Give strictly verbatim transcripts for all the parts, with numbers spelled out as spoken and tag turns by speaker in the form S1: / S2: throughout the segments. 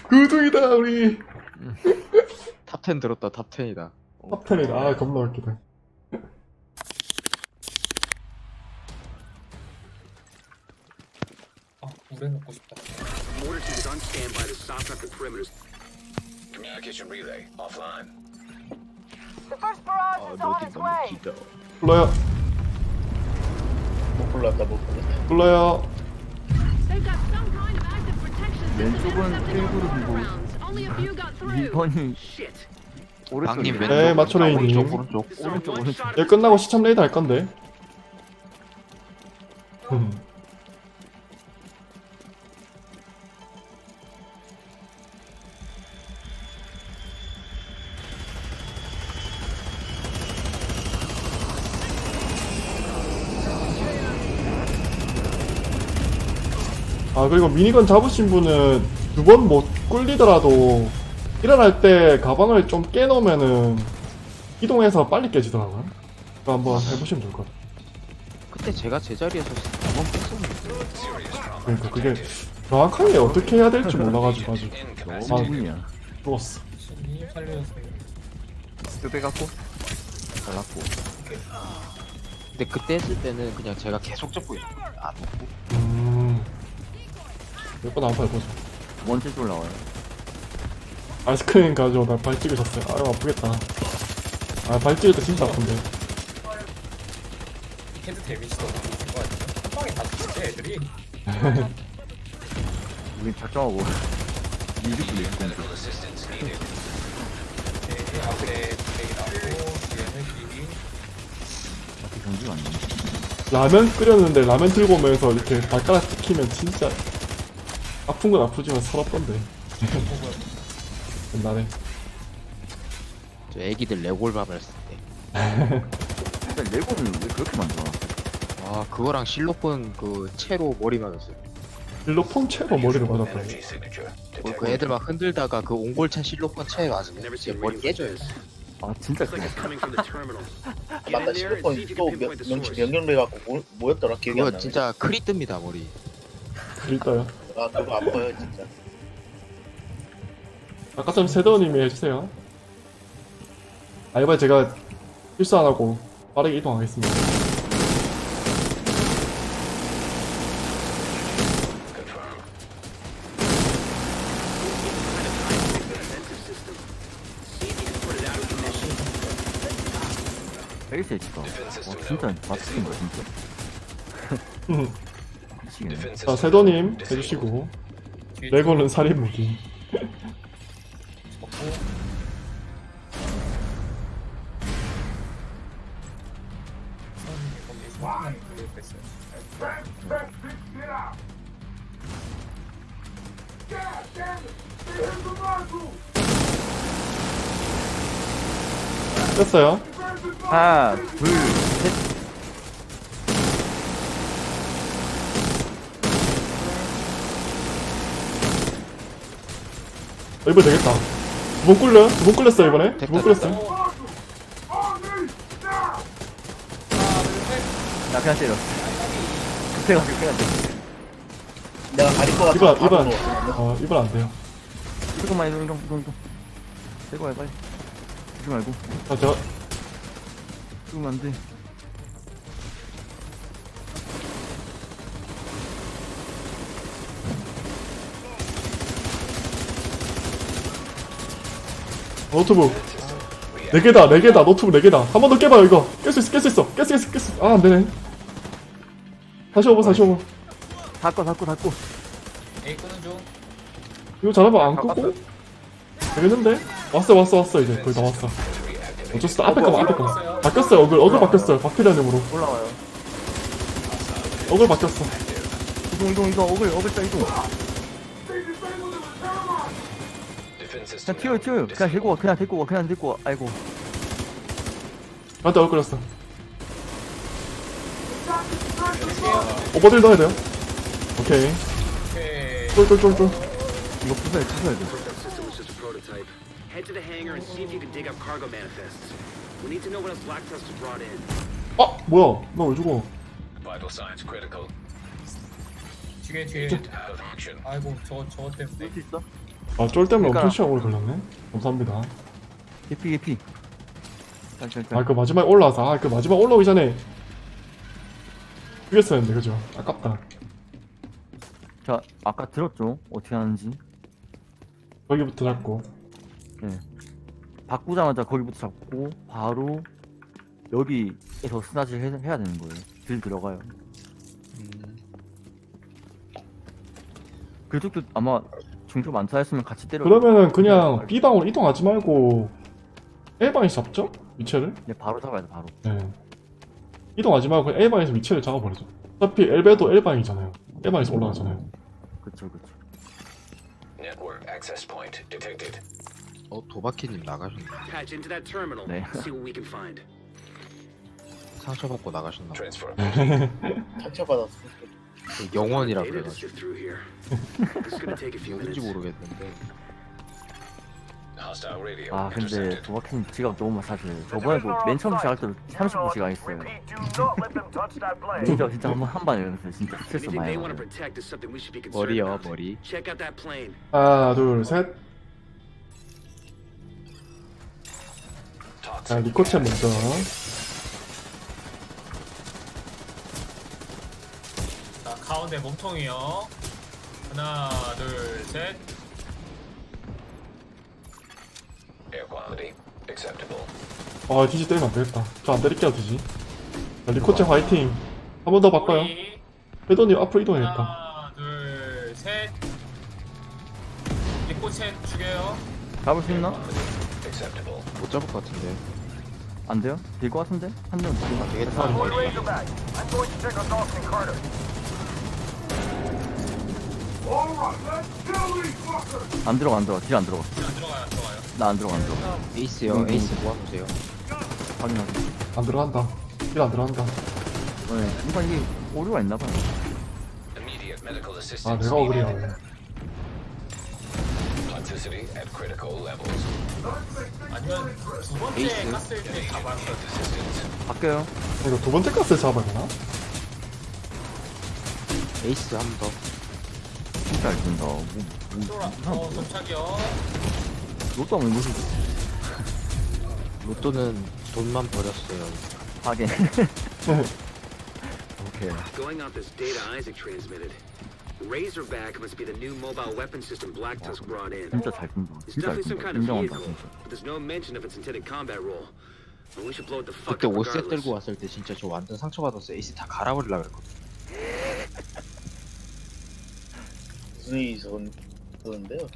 S1: 구둥이다 우리.
S2: 탑텐 들었다. 탑텐이다.
S1: 탑텐이다. 아 겁나 웃기다.
S3: 아, 물에 먹고 싶다.
S4: Mortar team is on standby to soften up the perimeters.
S5: Communication relay offline.
S6: The first barrage
S2: 아
S6: is on
S2: 로딩
S6: its
S2: 너무
S6: way.
S2: 길다.
S1: 불러요.
S7: 못 불렀다 못 불렀다.
S1: 불러요.
S8: They've got some kind of active protection system
S9: 왼쪽은
S8: intercepting all
S9: 테이블을
S8: the
S9: 들고
S8: rounds. Only a few got through.
S9: 이 번이
S4: Shit.
S2: 방님
S9: 오른쪽이네.
S2: 왼쪽.
S1: 네, 마초레이님.
S2: 오른쪽 오른쪽.
S4: This is our
S9: 오른쪽,
S4: one
S9: 오른쪽.
S4: shot
S1: 얘 끝나고 시참 레이드 할 건데. 음. 아 그리고 미니건 잡으신 분은 두 번 못 꿀리더라도 일어날 때 가방을 좀 깨놓으면은 이동해서 빨리 깨지더라고요. 그거 한번 해보시면 좋을 것 같아요.
S2: 그때 제가 제자리에서 한번 뺐었는데.
S1: 그러니까 그게 정확하게 어떻게 해야 될지 몰라가지고 아직
S9: 너무 문이야.
S1: 죽었어.
S3: 신이 살려주세요.
S9: 쓰대 갖고 잘랐고.
S2: 근데 그때 했을 때는 그냥 제가 계속 잡고 있는 거예요. 안 먹고.
S1: 음... 몇번 한번 해보자.
S9: 두 번째 줄 나와요.
S1: 아이스크림 가지고 나 발 찍으셨어요. 아유 아프겠다. 아 발 찍을 때 진짜 아픈데.
S3: 헤드 데미지도 없고 있을 거 아니야? 한 방에 다 죽지 애들이.
S9: 우리 작정하고 이륙 불리 건데.
S3: 네, 앞에 브레이 나오고 뒤에는 길이.
S9: 앞에 경주가 안 나네.
S1: 라면 끓였는데 라면 들고 오면서 이렇게 발가락 찍히면 진짜 아픈 건 아프지만 서럽던데. 옛날에.
S2: 저 애기들 레골밥을 했을 때.
S9: 근데 레고는 왜 그렇게 만들어?
S2: 아 그거랑 실로폰 그 채로 머리 맞았어요.
S1: 일로폰 채로 머리를 맞았다.
S5: Energy signature.
S2: 그- 그 애들 막 흔들다가 그 옹골차 실로폰 채에 맞으면 진짜 머리 깨져요.
S9: 아 진짜
S4: Looks like it's coming from the terminal. Get
S7: 맞다
S4: in there and see if
S7: 실로폰
S4: you
S7: 또
S4: can pinpoint the
S7: 명치
S4: source.
S7: 명령돼 갖고 뭐, 뭐였더라 기억이 안
S2: 그거
S7: 나네.
S2: 진짜 크리 뜹니다 머리.
S1: 일단요.
S7: 아 그거 아파요 진짜.
S1: 아까 좀 세더님이 해주세요. 아 이번에 제가 실수 안 하고 빠르게 이동하겠습니다.
S9: 페이스 H가. 와 진짜 맞추는 거야 진짜.
S1: 음.
S9: 미치겠네.
S1: 자 세더님 해주시고
S3: 뒤에
S1: 레고는 살인 무기.
S3: 접고. 선생님이 거기 손만 그걸 뺐어요.
S1: 뺐어요.
S9: 하나 둘 셋.
S1: 어, 이번에 되겠다. 두 번 꿀려요? 두 번 꿀렸어요 이번에? 두 번 꿀렸어요.
S9: 나 그냥 때려. 급해가지고 그냥 때려.
S7: 내가 가릴 것
S1: 이번
S7: 같아.
S1: 이번 어 이번 안 돼요.
S9: 조금만 이동 이동 이동 이동. 대고 해 빨리. 조심 말고.
S1: 자 제가
S9: 조금 안 돼.
S1: 노트북 네 개다 네 개다 노트북 네 개다. 한 번 더 깨봐요 이거. 깰 수 있어 깰 수 있어 깰 수 있어 깰 수 있어. 아 안 되네. 다시 오버 다시 오버.
S9: 닫고 닫고 닫고.
S3: 에이 끄는 중.
S1: 이거 잘하면 안 끄고 되겠는데? 왔어 왔어 왔어 이제 거의 다 왔어. 어쩔 수 없어. 앞에 거봐 앞에 거 바뀌었어요. 어글 어글 바뀌었어요. 박피디님으로
S9: 올라와요.
S1: 어글 바뀌었어.
S9: 이동 이동 이동 어글 어글자 이동.
S5: Defense
S9: 그냥
S5: system.
S9: 튀어요 튀어요. 그냥 데리고 와 그냥 데리고 와 그냥 데리고 와. 아이고.
S1: 나한테 어글 렸어. 오버딜 넣어야 돼요. 오케이.
S3: 오케이.
S1: 쫄쫄쫄쫄.
S9: 이거 부숴야 부숴야 돼.
S4: That system was just a prototype. Head to the hangar and see if you can dig up cargo manifests. We need to know what else Black Trust has brought in.
S1: 아 뭐야? 나 왜 죽어?
S5: Vital signs critical.
S3: 뒤에 뒤에.
S5: Agent out of action.
S3: 아이고 저거 저거 때문에.
S9: 수 있어?
S1: 아, 쫄 때문에
S9: 그러니까-
S1: 엄청 시간 오래 걸렸네. 감사합니다.
S9: 개피 개피. 짤짤짤.
S1: 아, 그 마지막에 올라와서, 아, 그 마지막 올라오기 전에 죽였어야 했는데, 그죠? 아깝다.
S9: 자 아까 들었죠? 어떻게 하는지.
S1: 거기부터 잡고.
S9: 네. 바꾸자마자 거기부터 잡고 바로 여기에서 스나질 해, 해야 되는 거예요. 딜 들어가요.
S2: 음,
S9: 그쪽도 아마 중표 많다 했으면 같이 때려.
S1: 그러면은 그냥 B방으로 이동하지 말고 A방에서 잡죠? 위치를?
S9: 네, 바로 잡아야 돼 바로.
S1: 네. 이동하지 말고 그냥 A방에서 위치를 잡아버리죠. 어차피 엘베도 L방이잖아요. L방에서 올라가잖아요.
S9: 그쵸 그쵸.
S5: Network access point detected.
S2: 어 도바키님 나가셨나?
S4: Patch into that terminal.
S9: 네.
S4: See what we can find.
S2: 상처받고 나가셨나? 봐.
S5: Transfer.
S7: 상처받았어.
S2: 그 영원이라
S4: Data to
S2: 그래가지고
S4: sift through here. This is gonna take a few
S2: 누군지
S4: minutes.
S2: 모르겠는데.
S5: Hostile radio
S9: 아 근데
S5: intercepted.
S9: 도박팀 지갑 너무 사실 저번에도 맨 처음 시작할 때도 삼십 분 시간 했어요. 진짜 진짜 한번 한 번이었어요. 진짜 스트레스
S4: Anything
S9: 많이
S4: they want to
S9: 받아요.
S4: protect is something we should be concerned
S2: 머리요
S4: about.
S2: 머리.
S4: Check out that plane.
S1: 하나, 둘, 셋. 자,
S5: Toxic.
S1: 리코체 먼저.
S3: 자, 가운데 몸통이요. 하나, 둘, 셋.
S5: Air quality acceptable.
S1: 아, 디지 때리면 안 되겠다. 저 안 때릴게요, 디지. 자, 리코체 화이팅. 한 번 더 바꿔요.
S3: 우리
S1: 회도님 앞으로 이동해야겠다.
S3: 하나, 둘, 셋. 리코첸 죽여요.
S9: 잡을 수 있나?
S5: Acceptable.
S2: 못 잡을 것 같은데.
S9: 안 돼요? 될 것 같은데? 한 명 더.
S2: 아, 되겠다.
S9: 안 들어가 안 들어가. 딜 안 들어가.
S3: 안 들어가요, 안 들어가요.
S9: 나 안 들어가 안 들어가.
S2: 에이스요.
S9: 음,
S2: 에이스
S9: 음.
S2: 모아놓으세요.
S9: 확인하고.
S1: 안 들어간다. 일 안 들어간다.
S9: 네, 뭔가 이게 오류가 있나 봐요.
S5: Immediate medical
S1: 아,
S5: assistance.
S1: 내가 억울해요.
S5: Toxicity at critical levels.
S3: 아니면 두 번째
S2: 에이스.
S3: 깠을 때 잡아요.
S5: Assistance.
S9: 바뀌어요.
S1: 이거 두 번째 가스 잡아야 되나?
S2: 에이스 한 번 더.
S9: 진짜 잘 든다. 뭐,
S3: 쫄아.
S9: 뭐,
S3: 어, 도착이요.
S9: 로또 하면 무슨
S2: 로또는 돈만 버렸어요.
S9: 하게. 오케이.
S4: Going off this data Isaac transmitted, Razorback must be the new mobile weapon system Black Tusk brought in.
S9: 진짜 잘 든다.
S4: It's
S9: 진짜 잘
S4: definitely some
S9: 든다.
S4: kind of
S9: 인정한다
S4: vehicle,
S9: 진짜.
S4: but there's no mention of its intended combat role. And we should blow it the fuck
S2: 그때
S4: up
S2: 오셋
S4: regardless.
S2: 들고 왔을 때 진짜 저 완전 상처받았어요. 에이스 다 갈아버리려 그랬거든.
S7: 무슨 일이 있었- 있었는데요?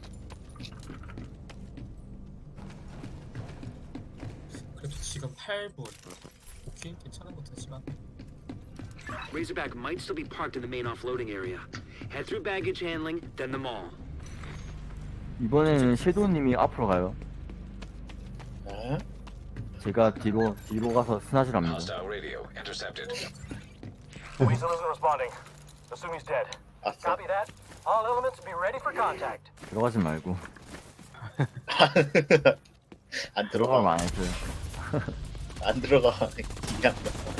S3: 그래도 지금 팔 분. 오케이, 괜찮은 것 같지만.
S4: Razorback might still be parked in the main offloading area. Head through baggage handling, then the mall.
S9: 이번에는 섀도우님이 앞으로 가요.
S7: 아?
S9: 제가 뒤로 뒤로 가서 스나질합니다.
S5: Hostile radio intercepted.
S6: Weasel isn't responding. Assume he's dead.
S7: 아싸.
S6: Copy that. All elements be ready for contact.
S9: 들어가지 말고
S7: 안
S9: 들어가면
S7: 들어가.
S9: 안 해줘요.
S7: 안 들어가. 그냥.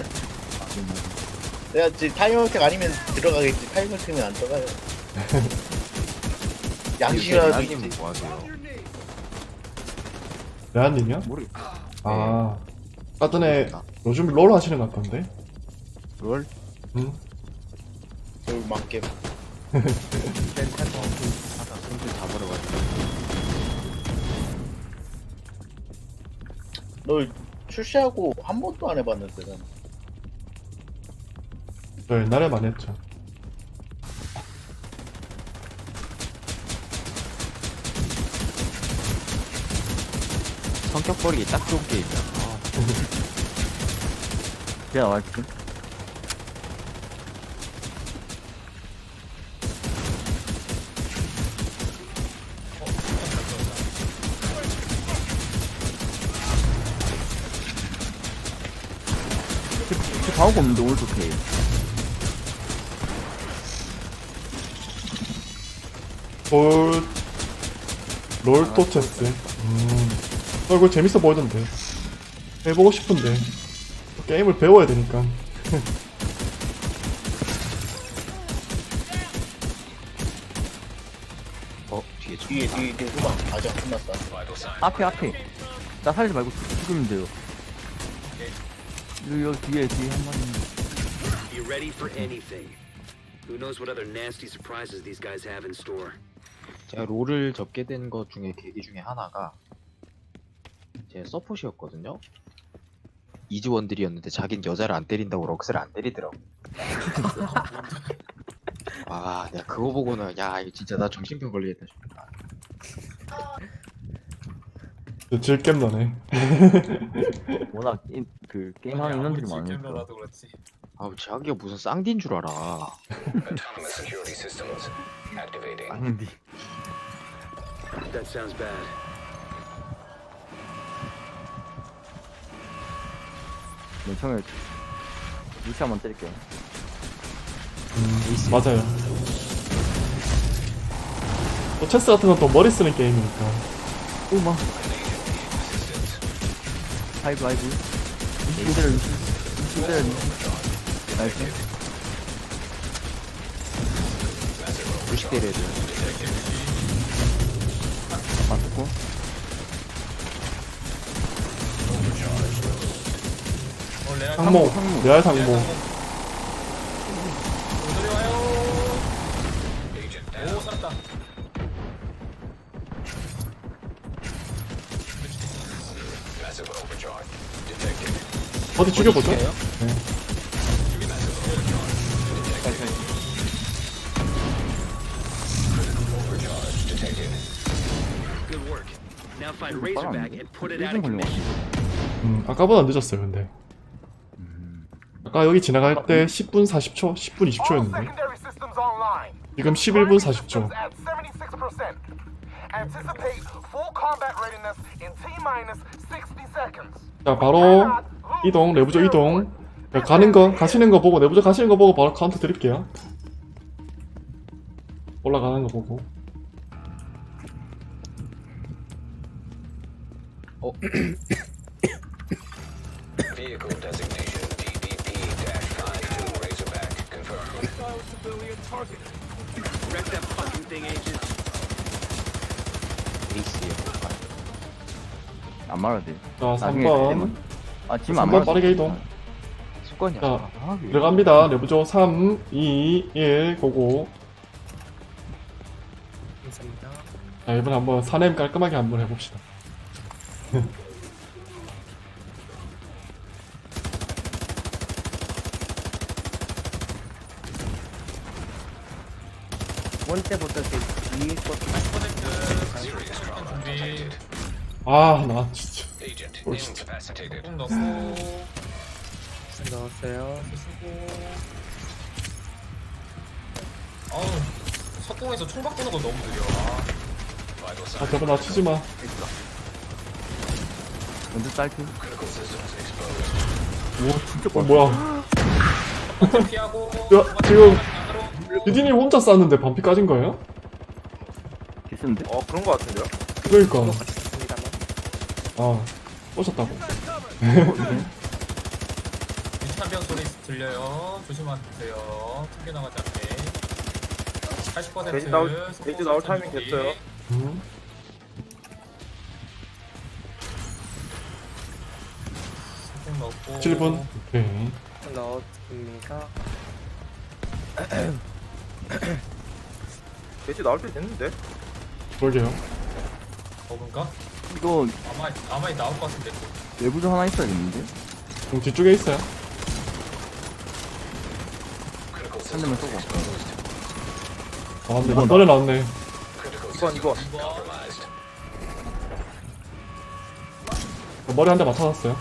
S7: 내가 지금 타이머택 아니면 들어가겠지. 타이머택은 안 들어가요. 양심이라도
S2: 님
S7: 있지.
S2: 뭐 하세요?
S1: 레안님이요?
S9: 모르겠어.
S1: 아, 아까 전에 요즘 롤 하시는 것 같던데?
S2: 롤?
S1: 응?
S7: 돌만겜.
S2: 하나 손질 다 버려가지고.
S7: 너 출시하고 한 번도 안 해봤는데 난.
S1: 저 옛날에 많이 했죠.
S2: 성격 버리기 딱 좋은 게임이야. 아,
S9: 제가 나갈게. 제 방어가 없는데 오늘 좋게.
S1: 롤, 롤토체스. 음, 어, 이거 재밌어 보이던데. 해보고 싶은데. 게임을 배워야 되니까.
S2: 어, 뒤에 뒤에 저.
S7: 뒤에 뒤에 뒤에 후방 아직 안 끝났어.
S5: Vital signs.
S9: 앞에 앞에. 나 살리지 말고 죽이면 돼요. 여기, 여기 뒤에 뒤에 한 마리 있는데.
S4: Be ready for anything. Who knows what other nasty surprises these guys have in store.
S2: 제가 롤을 접게 된 것 중에 계기 중에 하나가 제 서폿이었거든요. 이즈원들이었는데 자긴 여자를 안 때린다고 럭스를 안 때리더라고. 아, 내가 그거 보고는 야 이거 진짜 나 정신병 걸리겠다 싶다.
S1: 질겜 나네.
S9: 워낙 이- 그 게임하는 인원들이 많으니까.
S3: 질겜러라도 그렇지.
S2: 아, 자기가 무슨 쌍디인 줄 알아.
S5: Autonomous security systems activating.
S9: 아닌데.
S4: That sounds bad.
S9: 맨 처음에 루시 한번 때릴게요.
S1: 음, 맞아요. 또 체스 같은 건 또 머리 쓰는 게임이니까.
S9: 오마. 하이브 하이브. 루시 때려 루시. 루시 때려 루시. 나이스.
S2: 루시 때려야 돼.
S9: 맞고.
S3: 어, 레알
S1: 상모,
S9: 상모.
S1: 레알 상모.
S3: 오늘이 와요.
S5: Agent down.
S3: 오, 살았다.
S5: Massive overcharge detected.
S1: 어디 죽여보죠?
S2: 죽여요?
S5: Overcharge detected.
S4: Good work. Now find
S9: 이거
S4: Razorback
S9: 빨랐는데?
S4: and put it
S9: 일
S4: out
S9: 분
S4: of
S9: 걸린 것
S4: commission.
S9: 같아.
S1: 음, 아까보다 늦었어요, 근데. 아까 여기 지나갈 때 십 분 사십 초, 십 분 이십
S6: All
S1: 초였는데.
S6: secondary systems online.
S1: 지금 십일 분 사십 초.
S6: At seventy-six percent. Anticipate full combat readiness in T-minus sixty seconds.
S1: 자, 바로 이동, 내부조 이동. 자, 가는 거, 가시는 거 보고, 내부조 가시는 거 보고 바로 카운트 드릴게요. 올라가는 거 보고.
S2: 어,
S5: Vehicle designation D D P nine two Razorback confirmed.
S4: Wreck that fucking thing, Agent.
S2: 에이스예요.
S9: 안 말아도 돼.
S1: 자,
S9: 나중에
S1: 삼 번.
S9: 되면- 아 지금
S1: 삼
S9: 안
S1: 번
S9: 말아도
S1: 빠르게
S9: 돼.
S1: 이동.
S2: 습관이야.
S1: 자,
S2: 아, 왜
S1: 들어갑니다. 내부조 삼, 이, 일, 고고. 자, 이번에 한번 사냄 깔끔하게 한번 해봅시다.
S5: Serious trauma detected.
S1: 아, 나 진짜.
S5: Agent
S1: 어, 진짜.
S5: incapacitated.
S3: 꼭 넣고. 넣었어요. 쓰고. 어우, 석공에서 총 바꾸는 거 너무 느려. 아,
S5: Vital
S1: 아,
S5: signs.
S1: 저거 나 치지 마.
S9: 먼저 딸피.
S5: Critical systems exposed.
S1: 오, 진짜 어, 뭐야.
S3: 첫 번째 피하고.
S1: 야,
S3: 두 번째
S1: 지금-
S3: 안으로.
S1: 디디님 혼자 쐈는데 반피 까진 거예요?
S9: 개쓰는데?
S3: 어, 그런 거 같은데요?
S1: 그러니까. 아, 오셨다고.
S3: 유탄병 소리 들려요. 조심하세요. 튕겨나가지 않게. 팔십 퍼센트.
S10: 돼지 나올- 돼지 나올 타이밍 됐어요.
S1: 음.
S3: 석공 넣고.
S1: 칠 분. 오케이.
S10: 넣었습니다. 돼지 나올 때 됐는데?
S1: 그러게요.
S3: 먹은가?
S9: 이거
S3: 아마 아마 나올 것 같은데.
S9: 내부조 하나 있어야겠는데?
S1: 그럼 뒤쪽에 있어요.
S5: Critical
S9: 한 대만
S5: systems
S9: 쏘고.
S5: exposed.
S1: 아, 근데 이번에 나왔네.
S5: Critical
S10: 이번 이번.
S5: systems compromised.
S1: 머리 한 대 맞춰놨어요.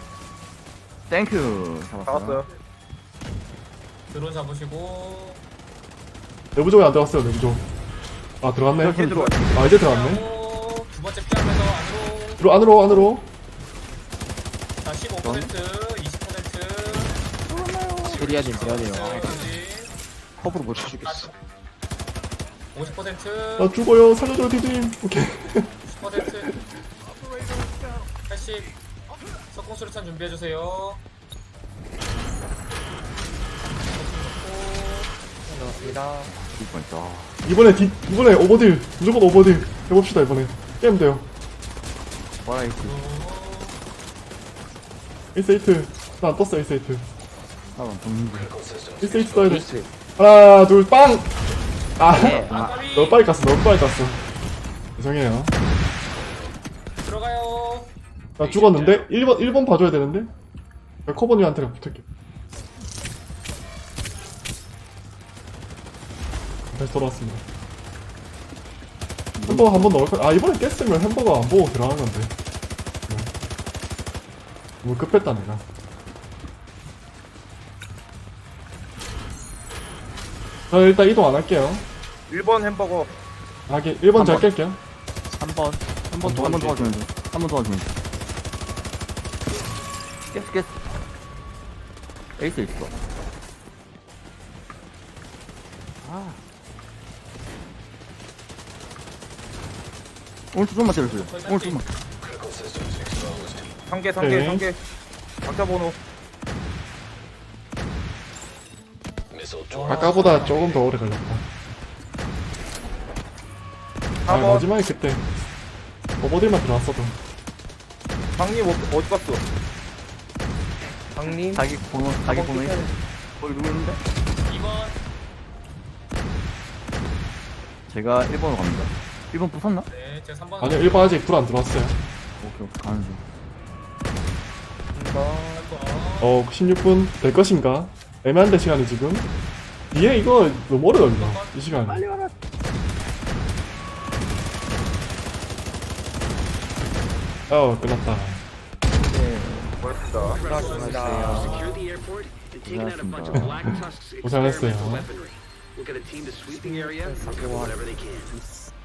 S9: 땡큐. 잡았어요.
S10: 나왔어요.
S3: 드론 잡으시고.
S1: 내부조에 안 들어갔어요, 내부조. 아, 들어갔네.
S9: 이렇게 들어와.
S1: 아, 이제 들어갔네.
S3: 하고, 두 번째 피하면서 안으로.
S1: 들어, 안으로, 안으로.
S3: 자, 십오 퍼센트, 이십 퍼센트.
S2: 세리아님 미안해요. 아,
S3: 여기까지.
S2: 컵으로 못 쳐주겠어.
S3: 오십 퍼센트,
S1: 나 죽어요. 살려줘요, 디디님. 오케이.
S3: 십 퍼센트, 팔십. 석공 수류탄 준비해 주세요.
S10: 고맙습니다.
S9: 죽을 뻔했다. 아,
S1: 이번에 디, 이번에 오버딜 무조건 오버딜 해봅시다. 이번에 게임 돼요.
S9: 와라이트.
S1: 에이스에이트 나안 떴어. 에이스에이트
S9: 사람 동물.
S1: 에이스에이트 써야 돼. 하나 둘 빵! 아
S9: 네.
S1: 너무 빨리 깠어. 너무 빨리 깠어. 죄송해요.
S3: 들어가요.
S1: 나 죽었는데? 일 번 일 번 봐줘야 되는데? 커버님한테 붙을게. 다시 돌아왔습니다. 햄버거 한 번 넣을까? 아 이번에 깼으면 햄버거 안 보고 들어가는 건데. 네. 너무 급했다 내가. 저 일단 이동 안 할게요.
S10: 일 번 햄버거.
S1: 아 이게 일 번 잘
S9: 번.
S1: 깰게요.
S9: 한 번. 한 번 더. 한 번 도와주면 돼. 한 번 도와주면 돼. 깼어 깼어. 에이스 있어. 아. 오른쪽 좀만 때려주세요. 오른쪽 좀만.
S10: 상 개, 상 개,
S1: 네.
S10: 상 개. 각자 번호.
S5: Missile
S1: 아까보다 조금 더 오래 걸렸다. 아
S10: 사 번.
S1: 마지막에 그때 오버딜만 들어왔어도.
S10: 장님 어- 어디 갔어? 장님.
S9: 자기 번호, 자기 번호 있어. 거기 누구 있는데?
S3: 이 번.
S9: 제가 일 번으로 갑니다. 일 번 부쉈나?
S3: 네, 제가 삼 번.
S1: 아니요 일 번 아직 불 안 들어왔어요.
S9: 오케이, 오케이. 가는 중.
S10: 한 번.
S1: 어 십육 분 될 것인가? 애매한데 시간이 지금. 뒤에 이거 너무 오래 걸려 이 시간이.
S9: 빨리 와라.
S1: 어 끝났다.
S9: 네.
S10: 고맙습니다.
S4: Secure the airport and taking out a bunch of Black Tusk's
S1: 고생하셨어요.
S4: experimental weaponry. We'll get a team to sweep the area and cover whatever they can.